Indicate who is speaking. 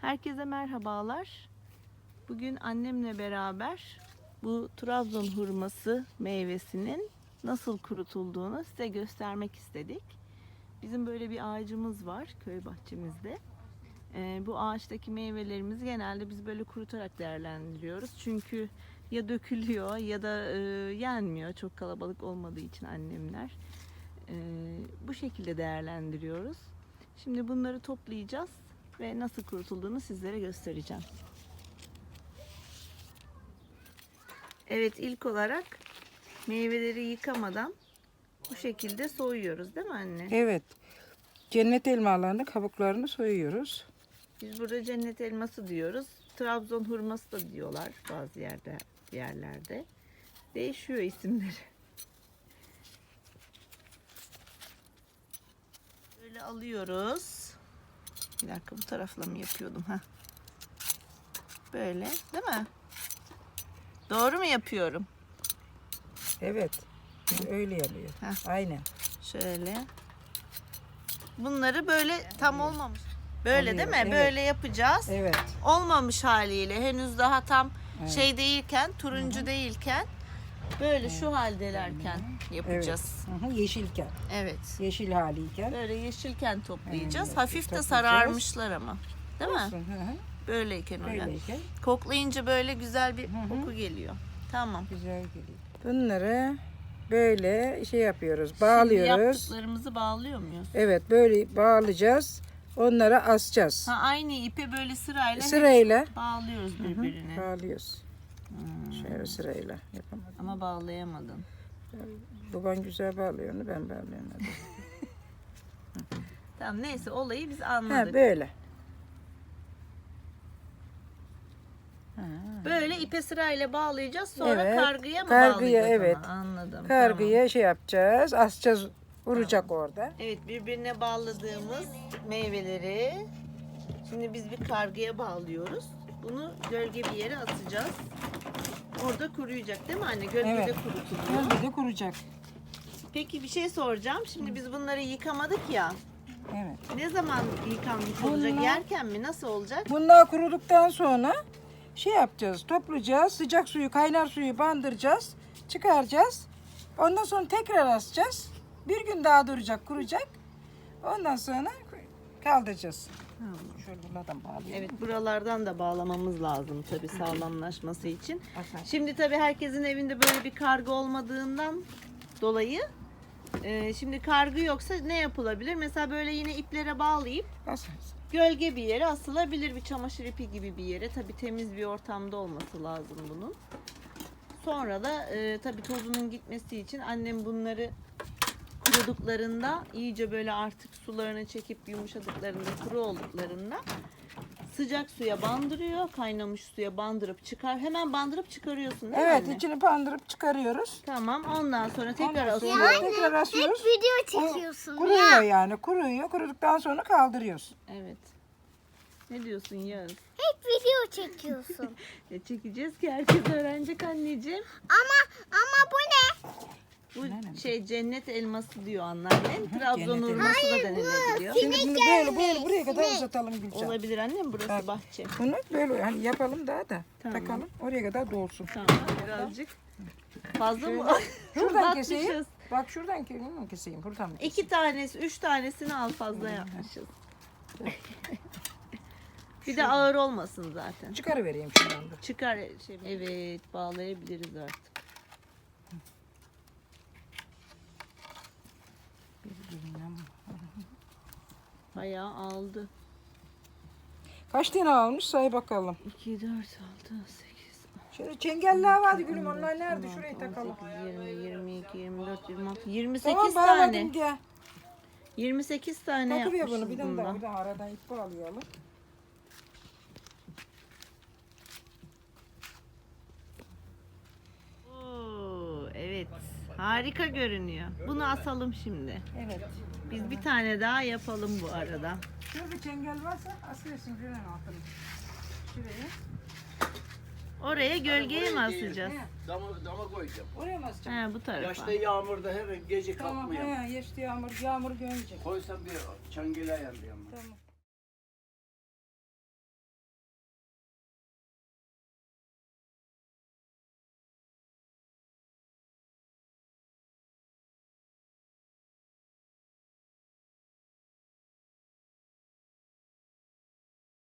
Speaker 1: Herkese merhabalar. Bugün annemle beraber bu Trabzon hurması meyvesinin nasıl kurutulduğunu size göstermek istedik. Bizim böyle bir ağacımız var köy bahçemizde. Bu ağaçtaki meyvelerimizi genelde biz böyle kurutarak değerlendiriyoruz. Çünkü ya dökülüyor ya da yenmiyor çok kalabalık olmadığı için annemler. Bu şekilde değerlendiriyoruz. Şimdi bunları toplayacağız ve nasıl kurutulduğunu sizlere göstereceğim. Evet, ilk olarak meyveleri yıkamadan bu şekilde soyuyoruz değil mi anne?
Speaker 2: Evet. Cennet elmalarını kabuklarını soyuyoruz.
Speaker 1: Biz burada cennet elması diyoruz. Trabzon hurması da diyorlar bazı yerlerde. Değişiyor isimleri. Böyle alıyoruz. Bir dakika, bu tarafla mı yapıyordum? Böyle değil mi? Doğru mu yapıyorum?
Speaker 2: Evet. Öyle yapıyor. Aynen.
Speaker 1: Şöyle. Bunları böyle tam olmamış. Böyle
Speaker 2: Oluyor,
Speaker 1: değil mi?
Speaker 2: evet.
Speaker 1: Böyle yapacağız.
Speaker 2: Evet.
Speaker 1: Olmamış haliyle henüz daha tam şey değilken, turuncu değilken böyle şu haldelerken yapacağız.
Speaker 2: Evet. Yeşilken.
Speaker 1: Evet.
Speaker 2: Yeşil haliyken.
Speaker 1: Böyle yeşilken toplayacağız.
Speaker 2: Evet,
Speaker 1: Hafif de
Speaker 2: toplayacağız.
Speaker 1: sararmışlar ama. Değil mi?
Speaker 2: Olsun,
Speaker 1: Böyleyken öyle.
Speaker 2: Böyleyken
Speaker 1: Koklayınca böyle güzel bir koku geliyor. Tamam.
Speaker 2: güzel geliyor. Bunları böyle şey yapıyoruz.
Speaker 1: Şimdi
Speaker 2: Bağlıyoruz.
Speaker 1: yaptıklarımızı bağlıyor muyuz?
Speaker 2: Evet, böyle bağlayacağız. Onları asacağız.
Speaker 1: Aynı ipe böyle sırayla
Speaker 2: Sırayla
Speaker 1: bağlıyoruz birbirine.
Speaker 2: bağlıyoruz. Şöyle sırayla yapamadım.
Speaker 1: Ama bağlayamadın.
Speaker 2: Baban güzel bağlıyor onu, ben bağlayamadım.
Speaker 1: Tamam, neyse, olayı biz anladık.
Speaker 2: Böyle.
Speaker 1: Böyle ipe sırayla bağlayacağız. Sonra
Speaker 2: Evet,
Speaker 1: kargıya mı
Speaker 2: kargıya,
Speaker 1: bağlayacağız?
Speaker 2: evet.
Speaker 1: Ona? Anladım.
Speaker 2: Kargıya şey yapacağız, asacağız, vuracak orada.
Speaker 1: Evet, birbirine bağladığımız meyveleri şimdi biz bir kargıya bağlıyoruz. Bunu gölge bir yere atacağız. Orada kuruyacak değil mi anne? Gölgede
Speaker 2: Evet.
Speaker 1: kurutuluyor.
Speaker 2: Gölgede kuracak.
Speaker 1: Peki bir şey soracağım. Şimdi biz bunları yıkamadık ya.
Speaker 2: Evet.
Speaker 1: Ne zaman yıkanmış olacak?
Speaker 2: Bunlar-
Speaker 1: Yerken mi? Nasıl olacak?
Speaker 2: Bunlar kuruduktan sonra şey yapacağız, toplayacağız, sıcak suyu, kaynar suyu bandıracağız, çıkaracağız. Ondan sonra tekrar asacağız. Bir gün daha duracak, kuracak. Ondan sonra kaldıracağız. Şöyle buradan bağlayalım.
Speaker 1: Evet, buralardan da bağlamamız lazım tabii sağlamlaşması için.
Speaker 2: Asar.
Speaker 1: Şimdi tabii herkesin evinde böyle bir kargı olmadığından dolayı şimdi kargı yoksa ne yapılabilir? Mesela böyle yine iplere bağlayıp
Speaker 2: Asarız.
Speaker 1: gölge bir yere asılabilir, bir çamaşır ipi gibi bir yere. Tabii temiz bir ortamda olması lazım bunun. Sonra da tabii tozunun gitmesi için annem bunları kuruduklarında iyice böyle artık sularını çekip yumuşadıklarında, kuru olduklarında sıcak suya bandırıyor. Kaynamış suya bandırıp çıkar. Hemen bandırıp çıkarıyorsun değil mi
Speaker 2: Evet,
Speaker 1: anne?
Speaker 2: içini bandırıp çıkarıyoruz.
Speaker 1: Tamam, ondan sonra tekrar
Speaker 2: Ondan sonra
Speaker 1: asıyoruz.
Speaker 2: tekrar asıyoruz.
Speaker 3: Video çekiyorsun
Speaker 2: Kuruyor yani, kuruyor. Kuruduktan sonra kaldırıyoruz.
Speaker 1: Evet. Ne diyorsun Yağız?
Speaker 3: Hep video çekiyorsun.
Speaker 1: Çekeceğiz ki herkes öğrenecek anneciğim.
Speaker 3: ama bu ne?
Speaker 1: Bu şey cennet elması diyor anneannem. Trabzon
Speaker 2: Cennet
Speaker 1: hurması da denilebiliyor.
Speaker 2: Şimdi bunu böyle buraya kadar uzatalım Gülcan.
Speaker 1: Olabilir annem, burası bahçe.
Speaker 2: Bunu böyle hani yapalım daha da
Speaker 1: Tamam.
Speaker 2: takalım. Oraya kadar dolsun.
Speaker 1: Tamam, birazcık fazla mı?
Speaker 2: Şuradan keseyim.
Speaker 1: Uzatmışız.
Speaker 2: Bak şuradan keseyim. Buradan mı keseyim?
Speaker 1: 2 tanesi, 3 tanesini al, fazla yapmışız. Bir de ağır olmasın zaten.
Speaker 2: Çıkarıvereyim şuradan da.
Speaker 1: Çıkar şey. Evet, bağlayabiliriz artık. Bayağı aldı.
Speaker 2: Kaç tane almış say bakalım.
Speaker 1: 2, 4, 6, 8,
Speaker 2: Şöyle çengeller vardı gülüm, onlar nerede? Şurayı takalım.
Speaker 1: 18, 20, 22, 24, 26, 28
Speaker 2: Tamam
Speaker 1: tane.
Speaker 2: bağladım gel.
Speaker 1: 28 tane
Speaker 2: Takıver
Speaker 1: yapmışız
Speaker 2: bunu bir tane
Speaker 1: bundan.
Speaker 2: daha. Bir daha aradan ip bağlayalım.
Speaker 1: Oo, evet. Harika görünüyor. Bunu asalım şimdi.
Speaker 2: Evet.
Speaker 1: Biz bir tane daha yapalım bu arada.
Speaker 2: Şurada çengel varsa asıyorsun şuranın altına. Şuraya.
Speaker 1: Oraya gölgeye mi asacağız?
Speaker 4: Dama koyacağım.
Speaker 2: Oraya mı asacağım?
Speaker 1: He, bu tarafa.
Speaker 4: Yaşta yağmurda her gece
Speaker 2: Tamam.
Speaker 4: kalkmıyor.
Speaker 2: He, geçti yağmur görmeyecek.
Speaker 4: Koysam bir çangeli ayarlayalım.
Speaker 2: Tamam.